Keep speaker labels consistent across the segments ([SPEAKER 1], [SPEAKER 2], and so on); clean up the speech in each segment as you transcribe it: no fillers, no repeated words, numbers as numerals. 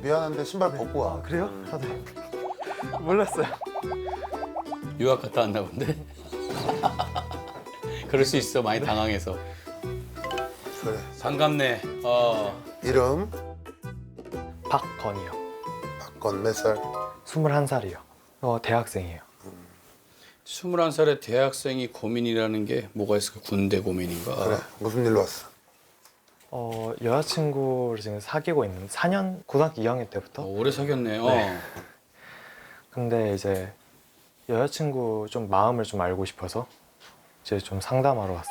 [SPEAKER 1] 미안한데 신발 벗고 와.
[SPEAKER 2] 그래요? 다들 몰랐어요.
[SPEAKER 3] 유학 갔다 왔나 본데. 그럴 수 있어. 많이 당황해서.
[SPEAKER 1] 그래.
[SPEAKER 3] 반갑네.
[SPEAKER 1] 이름
[SPEAKER 2] 박건이요.
[SPEAKER 1] 박건 몇 살?
[SPEAKER 2] 21살이요. 대학생이에요.
[SPEAKER 3] 21살의 대학생이 고민이라는 게 뭐가 있을까? 군대 고민인가?
[SPEAKER 1] 그래. 무슨 일로 왔어?
[SPEAKER 2] 여자친구를 지금 사귀고 있는 4년 고등학교 2학년 때부터.
[SPEAKER 3] 오래 사귀었네.
[SPEAKER 2] 네. 근데 이제 여자친구 좀 마음을 좀 알고 싶어서 이제 좀 상담하러 왔어요.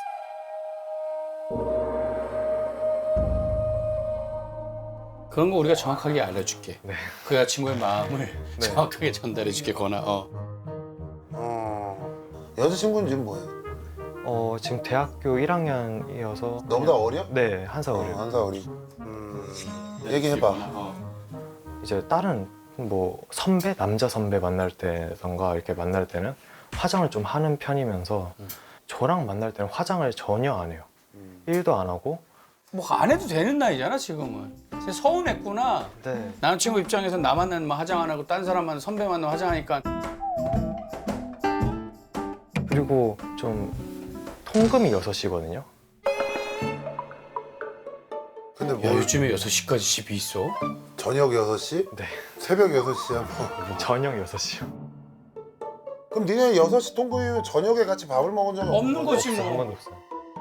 [SPEAKER 3] 그런 거 우리가 정확하게 알려줄게.
[SPEAKER 2] 네.
[SPEAKER 3] 그 여자친구의 마음을
[SPEAKER 2] 네.
[SPEAKER 3] 정확하게 전달해줄게, 거나.
[SPEAKER 1] 여자친구는 지금 뭐해?
[SPEAKER 2] 지금 대학교 1학년이어서
[SPEAKER 1] 너보다 어려?
[SPEAKER 2] 네, 한 살 어려요.
[SPEAKER 1] 한 살 어리. 얘기해봐.
[SPEAKER 2] 이제 다른 뭐 선배, 남자 선배 만날 때던가 이렇게 만날 때는 화장을 좀 하는 편이면서 저랑 만날 때는 화장을 전혀 안 해요. 일도 안 하고.
[SPEAKER 3] 뭐 안 해도 되는 나이잖아, 지금은. 진짜 서운했구나.
[SPEAKER 2] 네.
[SPEAKER 3] 남자친구 입장에서 나 만나면 화장 안 하고 딴 사람 만나면 선배 만나면 화장하니까.
[SPEAKER 2] 그리고 좀 통금이 6시거든요.
[SPEAKER 1] 근데
[SPEAKER 3] 야,
[SPEAKER 1] 뭐
[SPEAKER 3] 요즘에 6시까지 집이 있어?
[SPEAKER 1] 저녁 6시?
[SPEAKER 2] 네.
[SPEAKER 1] 새벽 6시야 뭐.
[SPEAKER 2] 저녁 6시요.
[SPEAKER 1] 그럼 니네 6시 통금이면 저녁에 같이 밥을 먹은 적은
[SPEAKER 3] 없는 거지,
[SPEAKER 2] 한
[SPEAKER 3] 뭐.
[SPEAKER 2] 번도 없어요.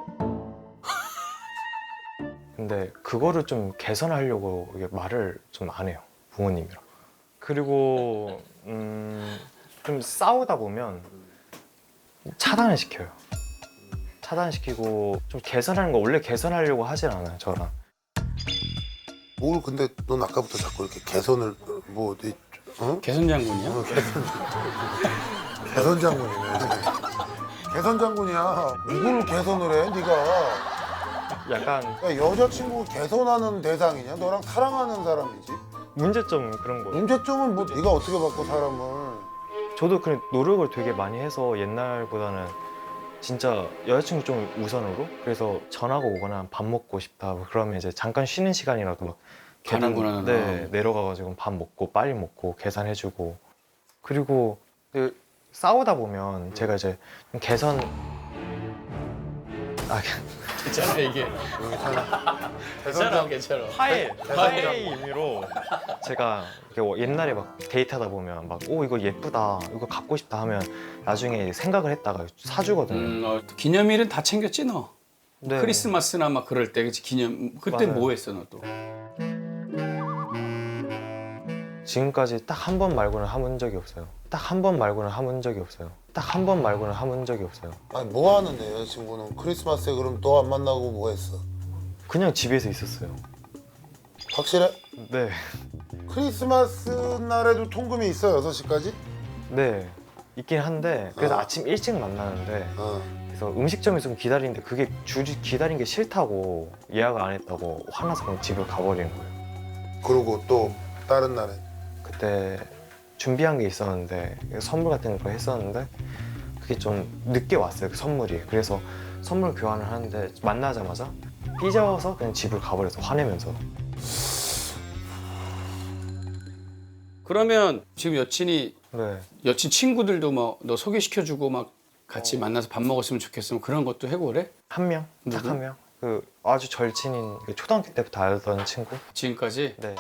[SPEAKER 2] 근데 그거를 좀 개선하려고 이게 말을 좀 안 해요. 부모님이랑. 그리고 좀 싸우다 보면 차단을 시켜요. 차단시키고 좀 개선하는 거 원래 개선하려고 하진 않아요, 저랑.
[SPEAKER 1] 뭘 근데 넌 아까부터 자꾸 이렇게 개선을 뭐 어디
[SPEAKER 3] 개선 장군이야?
[SPEAKER 1] 개선 장군이네. 개선 장군이야. 누구를 개선을 해? 네가
[SPEAKER 2] 약간
[SPEAKER 1] 야, 여자친구 개선하는 대상이냐? 너랑 사랑하는 사람이지.
[SPEAKER 2] 문제점 그런 거예요.
[SPEAKER 1] 문제점은 뭐 네가 어떻게 바꿔 사람을?
[SPEAKER 2] 저도 그 노력을 되게 많이 해서 옛날보다는 진짜 여자친구 좀 우선으로 그래서 전화가 오거나 밥 먹고 싶다 뭐 그러면 이제 잠깐 쉬는 시간이라도 막
[SPEAKER 3] 가는구나.
[SPEAKER 2] 네, 내려가가지고 밥 먹고 빨리 먹고 계산해주고 그리고 그 싸우다 보면 제가 이제 좀 개선
[SPEAKER 3] 괜찮아, 이게. 괜찮아, 괜찮아.
[SPEAKER 2] 화해의 의미로 제가 이렇게 옛날에 막 데이트하다 보면 막 오 이거 예쁘다 이거 갖고 싶다 하면 나중에 생각을 했다가 사주거든요.
[SPEAKER 3] 기념일은 다 챙겼지, 너?
[SPEAKER 2] 네.
[SPEAKER 3] 크리스마스나 막 그럴 때, 그치? 그때
[SPEAKER 2] 맞아요.
[SPEAKER 3] 뭐 했어, 너 또?
[SPEAKER 2] 지금까지 딱 한 번 말고는 해본 적이 없어요. 딱 한 번 말고는 해본 적이 없어요. 딱 한 번 말고는 해본 적이 없어요.
[SPEAKER 1] 아니 뭐 하는데 여자친구는 크리스마스에 그럼 또 안 만나고 뭐 했어?
[SPEAKER 2] 그냥 집에서 있었어요.
[SPEAKER 1] 확실해?
[SPEAKER 2] 네.
[SPEAKER 1] 크리스마스 날에도 통금이 있어 6시까지?
[SPEAKER 2] 네. 있긴 한데 그래서
[SPEAKER 1] 어.
[SPEAKER 2] 아침 일찍 만나는데
[SPEAKER 1] 어.
[SPEAKER 2] 그래서 음식점에서 좀 기다리는데 그게 줄이 기다린 게 싫다고 예약을 안 했다고 화나서 그냥 집을 가버리는 거예요.
[SPEAKER 1] 그리고 또 다른 날에
[SPEAKER 2] 그때 준비한 게 있었는데 선물 같은 거 했었는데 그게 좀 늦게 왔어요. 그 선물이. 그래서 선물 교환을 하는데 만나자마자 삐져서 그냥 집을 가버려서 화내면서.
[SPEAKER 3] 그러면 지금 여친이,
[SPEAKER 2] 네.
[SPEAKER 3] 여친 친구들도 뭐 너 소개시켜주고 막 같이 만나서 밥 먹었으면 좋겠으면 그런 것도 해고 그래?
[SPEAKER 2] 한 명? 딱
[SPEAKER 3] 누구?
[SPEAKER 2] 한 명? 그 아주 절친인 그 초등학교 때부터 알던 친구?
[SPEAKER 3] 지금까지?
[SPEAKER 2] 네.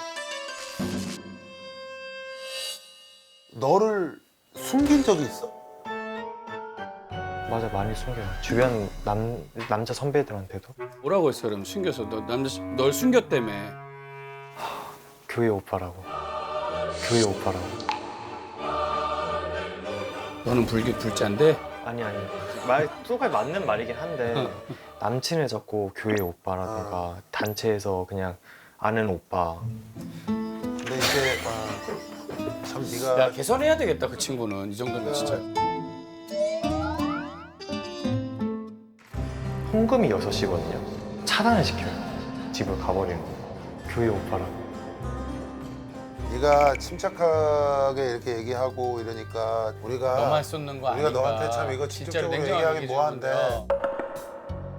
[SPEAKER 1] 너를 숨긴 적이 있어?
[SPEAKER 2] 맞아, 많이 숨겨요. 주변 남자 선배들한테도.
[SPEAKER 3] 뭐라고 했어, 그럼 숨겨서? 널 숨겼다며.
[SPEAKER 2] 교회 오빠라고. 교회 오빠라고.
[SPEAKER 3] 너는 불자인데?
[SPEAKER 2] 아니. 말 똑같이 맞는 말이긴 한데 남친을 잡고 교회 오빠라든가 단체에서 그냥 아는 오빠.
[SPEAKER 1] 근데 이제 참 네가
[SPEAKER 3] 야, 개선해야 되겠다, 그 친구는. 이 정도면 진짜.
[SPEAKER 2] 통금이 6시거든요. 차단을 시켜요. 집을 가버리는 거예요. 교회 오빠라고.
[SPEAKER 1] 네가 침착하게 이렇게 얘기하고 이러니까 우리가
[SPEAKER 3] 너만 쏟는 거
[SPEAKER 1] 우리가
[SPEAKER 3] 아닌가.
[SPEAKER 1] 너한테 참 이거
[SPEAKER 3] 진짜로
[SPEAKER 1] 직접적으로
[SPEAKER 3] 냉정하게
[SPEAKER 1] 얘기하기 뭐한데.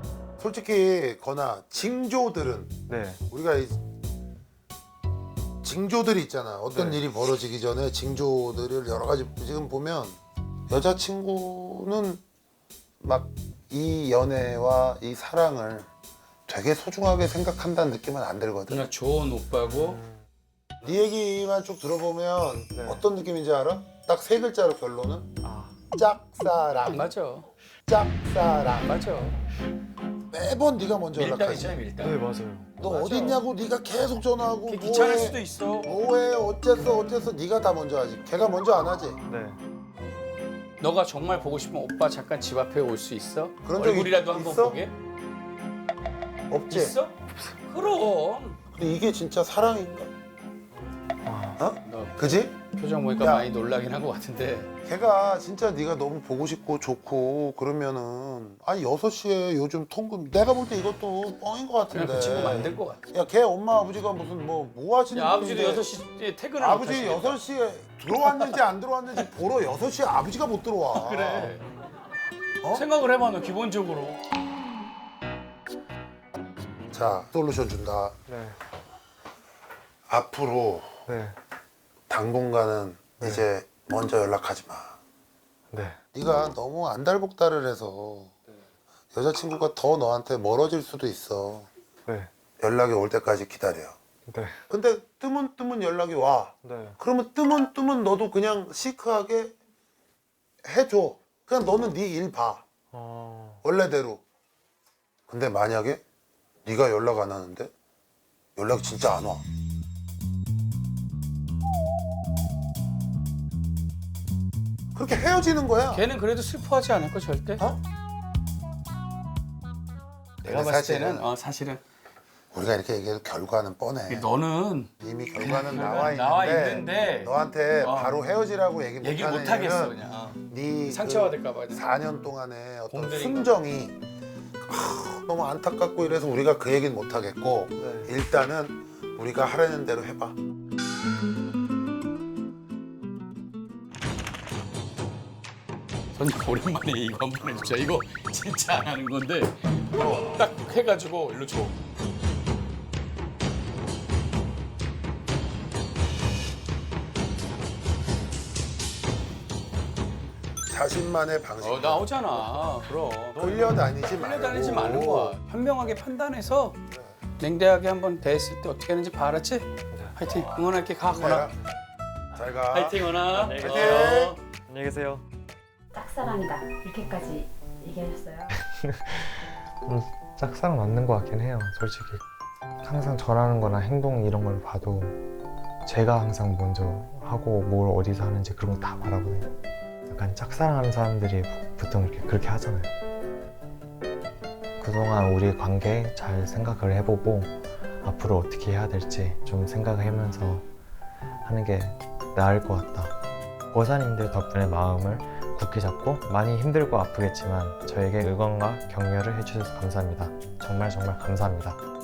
[SPEAKER 1] 솔직히 건아 징조들은
[SPEAKER 2] 네.
[SPEAKER 1] 우리가 징조들이 있잖아. 어떤
[SPEAKER 2] 네.
[SPEAKER 1] 일이 벌어지기 전에 징조들을 여러 가지 지금 보면 여자친구는 막 이 연애와 이 사랑을 되게 소중하게 생각한다는 느낌은 안 들거든.
[SPEAKER 3] 그냥 좋은 오빠고
[SPEAKER 1] 네 얘기만 쭉 들어보면
[SPEAKER 2] 네.
[SPEAKER 1] 어떤 느낌인지 알아? 딱 세 글자로 결론은
[SPEAKER 2] 아,
[SPEAKER 1] 짝사랑.
[SPEAKER 3] 맞아.
[SPEAKER 1] 짝사랑.
[SPEAKER 3] 맞아.
[SPEAKER 1] 매번 네가 먼저 연락하지.
[SPEAKER 3] 밀당.
[SPEAKER 2] 네 맞아요.
[SPEAKER 1] 너
[SPEAKER 3] 맞아.
[SPEAKER 1] 어디 있냐고 네가 계속 전화하고
[SPEAKER 3] 귀찮을 수도 있어.
[SPEAKER 1] 뭐해 어쨌어 네가 다 먼저 하지. 걔가 먼저 안 하지.
[SPEAKER 2] 네.
[SPEAKER 3] 너가 정말 보고 싶으면 오빠 잠깐 집 앞에 올 수 있어?
[SPEAKER 1] 그런 적
[SPEAKER 3] 얼굴이라도 한번
[SPEAKER 1] 있어?
[SPEAKER 3] 보게?
[SPEAKER 1] 없지.
[SPEAKER 3] 있어? 그럼.
[SPEAKER 1] 근데 이게 진짜 사랑인가? 어?
[SPEAKER 3] 너
[SPEAKER 1] 그지?
[SPEAKER 3] 표정 보니까
[SPEAKER 1] 야.
[SPEAKER 3] 많이 놀라긴 한 것 같은데.
[SPEAKER 1] 걔가 진짜 네가 너무 보고 싶고 좋고 그러면은 아니 6시에 요즘 통금 내가 볼 때 이것도 뻥인 것
[SPEAKER 3] 그냥
[SPEAKER 1] 같은데.
[SPEAKER 3] 그 친구 만들 것 같아.
[SPEAKER 1] 야 걔 엄마 아버지가 무슨 뭐 하시는
[SPEAKER 3] 야, 아버지도
[SPEAKER 1] 분인데
[SPEAKER 3] 6시에 퇴근을
[SPEAKER 1] 아버지
[SPEAKER 3] 못 하시겠다.
[SPEAKER 1] 6시에 들어왔는지 안 들어왔는지 보러 6시에 아버지가 못 들어와.
[SPEAKER 3] 그래.
[SPEAKER 1] 어?
[SPEAKER 3] 생각을 해봐 너 기본적으로.
[SPEAKER 1] 자 솔루션 준다.
[SPEAKER 2] 네.
[SPEAKER 1] 앞으로
[SPEAKER 2] 네.
[SPEAKER 1] 당분간은
[SPEAKER 2] 네.
[SPEAKER 1] 이제 먼저 연락하지 마.
[SPEAKER 2] 네.
[SPEAKER 1] 네가 너무 안달복달을 해서 여자친구가 더 너한테 멀어질 수도 있어.
[SPEAKER 2] 네.
[SPEAKER 1] 연락이 올 때까지 기다려.
[SPEAKER 2] 네.
[SPEAKER 1] 근데 뜨문 연락이 와.
[SPEAKER 2] 네.
[SPEAKER 1] 그러면 뜨문 너도 그냥 시크하게 해줘. 그냥 너는 네 일 봐. 원래대로. 근데 만약에 네가 연락 안 하는데 연락이 진짜 안 와. 그렇게 헤어지는 거야.
[SPEAKER 3] 걔는 그래도 슬퍼하지 않을 거 절대.
[SPEAKER 1] 어?
[SPEAKER 3] 내가 봤을 때는 사실은
[SPEAKER 1] 우리가 이렇게 얘기해도 결과는 뻔해.
[SPEAKER 3] 너는
[SPEAKER 1] 이미 결과는
[SPEAKER 3] 결과는
[SPEAKER 1] 나와 있는데,
[SPEAKER 3] 나와 있는데
[SPEAKER 1] 너한테
[SPEAKER 3] 어.
[SPEAKER 1] 바로 헤어지라고 얘기
[SPEAKER 3] 얘기를
[SPEAKER 1] 못하는
[SPEAKER 3] 못 하겠어
[SPEAKER 1] 이유는
[SPEAKER 3] 그냥.
[SPEAKER 1] 네
[SPEAKER 3] 상처받을까 봐.
[SPEAKER 1] 4년 동안의 어떤
[SPEAKER 3] 공들인
[SPEAKER 1] 순정이 너무 안타깝고 이래서 우리가 그 얘기는 못 하겠고
[SPEAKER 2] 네.
[SPEAKER 1] 일단은 우리가 하라는 대로 해봐.
[SPEAKER 3] 선생 오랜만에 이거 한 번 해주자. 이거 진짜 안 하는 건데 딱 해가지고 일로 줘.
[SPEAKER 1] 자신만의 방식.
[SPEAKER 3] 나오잖아. 그럼.
[SPEAKER 1] 끌려다니지 말고.
[SPEAKER 3] 끌려다니지 말는 거야. 현명하게 판단해서 냉대하게 한번 대했을 때 어떻게 하는지 봐, 알았지? 화이팅. 응원할게. 가, 건아.
[SPEAKER 1] 잘 가.
[SPEAKER 3] 화이팅, 건아.
[SPEAKER 2] 안녕히
[SPEAKER 1] 계세요.
[SPEAKER 2] 안녕히 계세요.
[SPEAKER 4] 짝사랑이다 이렇게까지 얘기하셨어요?
[SPEAKER 2] 짝사랑 맞는 것 같긴 해요, 솔직히. 항상 전하는 거나 행동 이런 걸 봐도 제가 항상 먼저 하고 뭘 어디서 하는지 그런 거 다 말하거든요. 약간 짝사랑하는 사람들이 보통 그렇게 하잖아요. 그동안 우리 관계 잘 생각을 해보고 앞으로 어떻게 해야 될지 좀 생각하면서 하는 게 나을 것 같다. 고사님들 덕분에 마음을 굳게 잡고 많이 힘들고 아프겠지만 저에게 응원과 격려를 해주셔서 감사합니다. 정말 감사합니다.